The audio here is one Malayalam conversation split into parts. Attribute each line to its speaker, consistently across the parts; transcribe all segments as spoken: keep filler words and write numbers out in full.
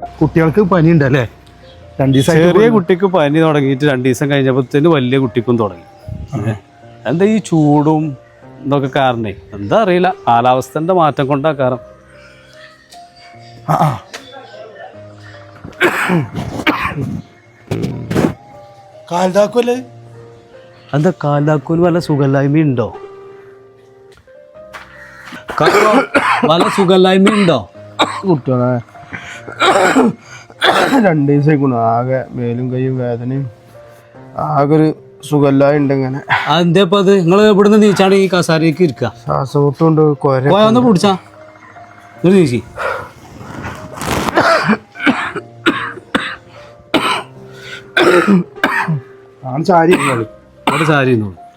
Speaker 1: കുട്ടികൾക്ക് പനി ഉണ്ടല്ലേ? രണ്ട് ദിവസം
Speaker 2: ചെറിയ കുട്ടിക്ക് പനി തുടങ്ങിയിട്ട് രണ്ട് ദിവസം കഴിഞ്ഞപ്പോഴത്തേന് വലിയ കുട്ടിക്കും തുടങ്ങി. എന്താ ഈ ചൂടും ഇതൊക്കെ കാരണേ എന്താ അറിയില്ല, കാലാവസ്ഥന്റെ മാറ്റം കൊണ്ടാ കാരണം.
Speaker 1: കാൽതാക്കുമല്ലേ?
Speaker 2: എന്താ കാലാക്കൂന് വല്ല സുഖമില്ലായ്മ ഉണ്ടോ? വല്ല സുഖമില്ലായ്മ ഉണ്ടോ
Speaker 1: കുട്ടികളെ? രണ്ട് ദിവസമായിക്കണു ആകെ മേലും കൈയും വേദനയും ആകെ ഒരു സുഖമില്ലായി ഉണ്ട്. ഇങ്ങനെ
Speaker 2: അതെന്താ അത്? നിങ്ങൾ ഇവിടുന്ന് നീച്ചാണ് ഈ കസാരയ്ക്ക് ഇരിക്കുക?
Speaker 1: ശ്വാസമുട്ടുണ്ട്, കൊര
Speaker 2: ഒന്ന് പിടിച്ചാ നീച്ചി.
Speaker 1: ആണ് ചാരി
Speaker 2: അവിടെ ചാരി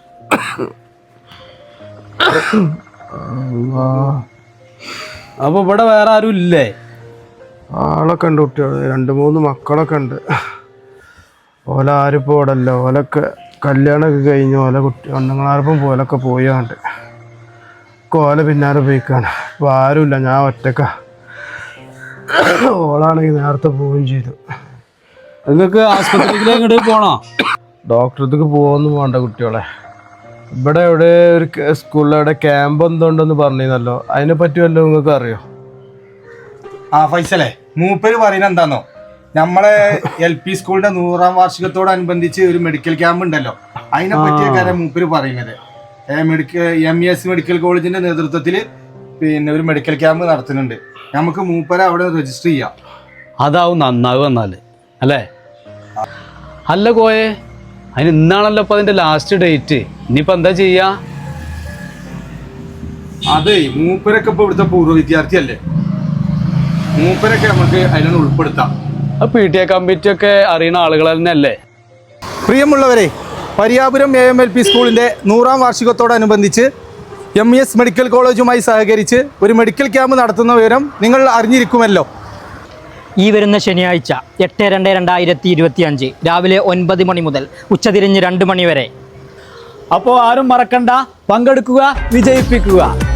Speaker 2: അപ്പൊ ഇവിടെ വേറെ ആരും ഇല്ലേ?
Speaker 1: ആളൊക്കെ ഉണ്ട് കുട്ടികൾ, രണ്ട് മൂന്ന് മക്കളൊക്കെ ഉണ്ട്. ഓല ആരിപ്പോൾ ഇവിടെ അല്ല, ഓലൊക്കെ കല്യാണമൊക്കെ കഴിഞ്ഞ് ഓല കുട്ടി പെണ്ണുങ്ങളാർപ്പം പോലൊക്കെ പോയാണ്ട് ഓല പിന്നാലെ പോയിക്കാണ്. ഇപ്പോൾ ആരുമില്ല, ഞാൻ ഒറ്റക്ക. ഓളാണെങ്കിൽ നേരത്തെ പോവുകയും ചെയ്തു.
Speaker 2: നിങ്ങൾക്ക് ആസ്പത്രിയിലേക്ക് ഇങ്ങോട്ട് പോണോ?
Speaker 1: ഡോക്ടർക്ക് പോകുമെന്ന് വേണ്ട കുട്ടികളെ. ഇവിടെ എവിടെ ഒരു സ്കൂളിൽ എവിടെ ക്യാമ്പ് എന്തുണ്ടെന്ന് പറഞ്ഞിരുന്നല്ലോ, അതിനെ പറ്റി വല്ലതും നിങ്ങൾക്ക് അറിയോ?
Speaker 3: ആ ഫൈസലേ, മൂപ്പര് പറയുന്നത് എന്താന്നോ, നമ്മളെ എൽ പി സ്കൂളിന്റെ നൂറാം വാർഷികത്തോടനുബന്ധിച്ച് ഒരു മെഡിക്കൽ ക്യാമ്പ് ഉണ്ടല്ലോ, അതിനെ പറ്റിയൊക്കെ മൂപ്പര് പറയുന്നത്. Medical M E S medical കോളേജിന്റെ നേതൃത്വത്തിൽ പിന്നെ ഒരു മെഡിക്കൽ ക്യാമ്പ് നടത്തുന്നുണ്ട്. നമുക്ക് മൂപ്പരെ അവിടെ രജിസ്റ്റർ ചെയ്യാം.
Speaker 2: അതാവും നന്നാവും എന്നാല് അല്ലേ? അല്ല കോയെ, അതിന് ഇന്നാണല്ലോ ഇപ്പൊ അതിന്റെ ലാസ്റ്റ് ഡേറ്റ്. ഇനിയിപ്പോ എന്താ ചെയ്യാ?
Speaker 3: അതെ, മൂപ്പരൊക്കെ ഇപ്പൊ ഇവിടുത്തെ പൂർവ്വ വിദ്യാർത്ഥിയല്ലേ, മൂപ്പരൊക്കെ നമുക്ക് അതിനൊന്ന് ഉൾപ്പെടുത്താം.
Speaker 2: പി ടി എ കമ്മിറ്റി ഒക്കെ അറിയുന്ന ആളുകൾ തന്നെ അല്ലേ?
Speaker 3: പ്രിയമുള്ളവരെ, Pariyapuram A M L P സ്കൂളിന്റെ നൂറാം വാർഷികത്തോടനുബന്ധിച്ച് എം ഇ എസ് മെഡിക്കൽ കോളേജുമായി സഹകരിച്ച് ഒരു മെഡിക്കൽ ക്യാമ്പ് നടത്തുന്ന വിവരം നിങ്ങൾ അറിഞ്ഞിരിക്കുമല്ലോ.
Speaker 4: ഈ വരുന്ന ശനിയാഴ്ച എട്ട് രണ്ട് രണ്ടായിരത്തി ഇരുപത്തി അഞ്ച് രാവിലെ ഒൻപത് മണി മുതൽ ഉച്ചതിരിഞ്ഞ് രണ്ട് മണി വരെ.
Speaker 2: അപ്പോൾ ആരും മറക്കണ്ട, പങ്കെടുക്കുക, വിജയിപ്പിക്കുക.